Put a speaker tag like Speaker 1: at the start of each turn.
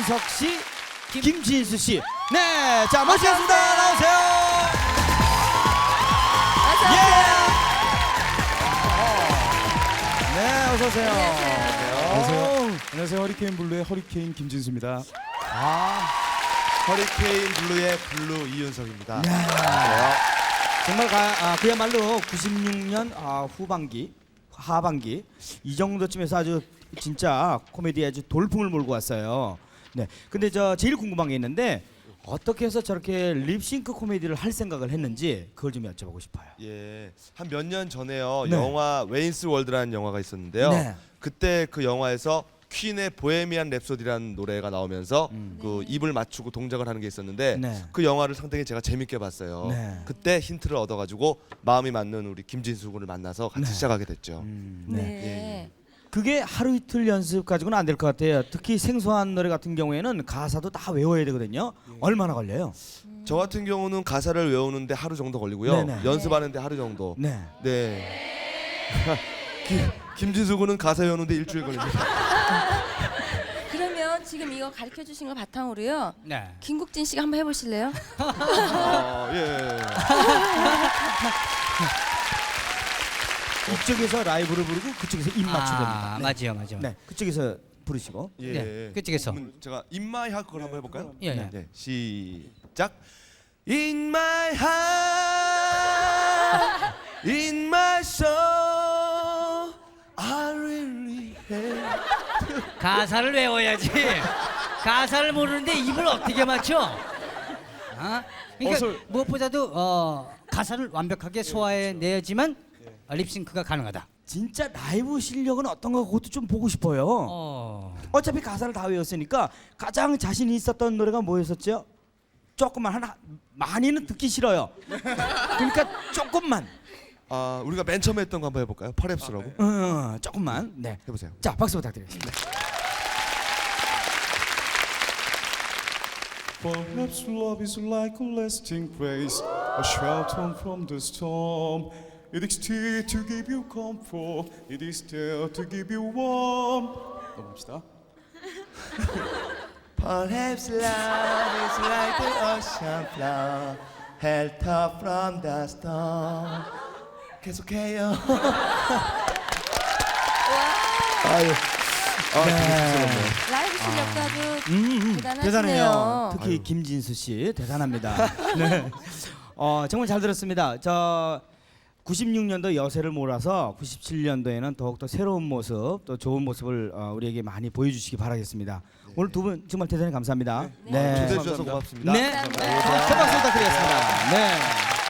Speaker 1: 이윤석 씨, 김진수 씨. 네, 자 모시겠습니다. 나오세요. 예. 네, 어서 오세요.
Speaker 2: 안녕하세요. 안녕하세요. 허리케인 블루의 허리케인 김진수입니다.
Speaker 3: 허리케인 블루의 블루 이윤석입니다.
Speaker 1: 정말 그야말로 96년 후반기, 하반기 이 정도쯤에서 아주 진짜 코미디에 아주 돌풍을 몰고 왔어요. 네, 근데 저 제일 궁금한 게 있는데 어떻게 해서 저렇게 립싱크 코미디를 할 생각을 했는지 그걸 좀 여쭤보고 싶어요.
Speaker 3: 예, 한 몇 년 전에요.
Speaker 1: 네.
Speaker 3: 영화 웨인스 월드라는 영화가 있었는데요.
Speaker 1: 네.
Speaker 3: 그때 그 영화에서 퀸의 보헤미안 랩소디라는 노래가 나오면서 그 입을 맞추고 동작을 하는 게 있었는데
Speaker 1: 네.
Speaker 3: 그 영화를 상당히 제가 재밌게 봤어요.
Speaker 1: 네.
Speaker 3: 그때 힌트를 얻어가지고 마음이 맞는 우리 김진수 군을 만나서 같이
Speaker 1: 네.
Speaker 3: 시작하게 됐죠.
Speaker 1: 네.
Speaker 3: 예.
Speaker 1: 그게 하루 이틀 연습 가지고는 안 될 것 같아요. 특히 생소한 노래 같은 경우에는 가사도 다 외워야 되거든요. 얼마나 걸려요?
Speaker 3: 저 같은 경우는 가사를 외우는데 하루 정도 걸리고요.
Speaker 1: 네네.
Speaker 3: 연습하는데 하루 정도.
Speaker 1: 네.
Speaker 3: 네. 김진수 군은 가사 외우는데 일주일 걸립니다.
Speaker 4: 그러면 지금 이거 가르쳐 주신 거 바탕으로요.
Speaker 5: 네.
Speaker 4: 김국진 씨가 한번 해보실래요?
Speaker 3: 예.
Speaker 1: 이쪽에서 라이브를 부르고 그쪽에서 입 맞추면 됩니다.
Speaker 5: 맞아요, 맞아요.
Speaker 1: 네, 그쪽에서 부르시고.
Speaker 3: 예.
Speaker 5: 네, 그쪽에서.
Speaker 3: 그러면 제가 In My Heart 그걸 한번 해볼까요?
Speaker 5: 예, 예.
Speaker 3: 네, 시작. In my heart, in my soul, I really have.
Speaker 5: 가사를 외워야지. 가사를 모르는데 입을 어떻게 맞춰? 그러니까 무엇보다도 가사를 완벽하게 소화해내야지만 립싱크가 가능하다.
Speaker 1: 진짜 라이브 실력은 어떤가 그것도 좀 보고 싶어요. 어차피 가사를 다 외웠으니까 가장 자신이 있었던 노래가 뭐였었죠? 조금만 하나 많이는 듣기 싫어요. 그러니까 조금만.
Speaker 3: 우리가 맨 처음에 했던 거 한번 해볼까요? 퍼랩스라고.
Speaker 1: 조금만. 네.
Speaker 3: 해보세요.
Speaker 1: 자, 박수 부탁드리겠습니다.
Speaker 2: Perhaps love is like a lasting place, a shelter from the storm. It is there to give you comfort. It is there to give you warmth. 넘어갑시다.
Speaker 3: Perhaps love is like the ocean floor, held up from the storm. 계속해요. 아유.
Speaker 4: 라이브 실력도 아주 대단하시네요.
Speaker 1: 대단해요. 특히 김진수 씨 대단합니다. 네. 정말 잘 들었습니다. 저 96년도 여세를 몰아서 97년도에는 더욱더 새로운 모습, 또 좋은 모습을 우리에게 많이 보여주시기 바라겠습니다. 오늘 두 분 정말 대단히 감사합니다.
Speaker 3: 초대해 주셔서 고맙습니다.
Speaker 1: 네. 큰 박수 부탁드리겠습니다. 네.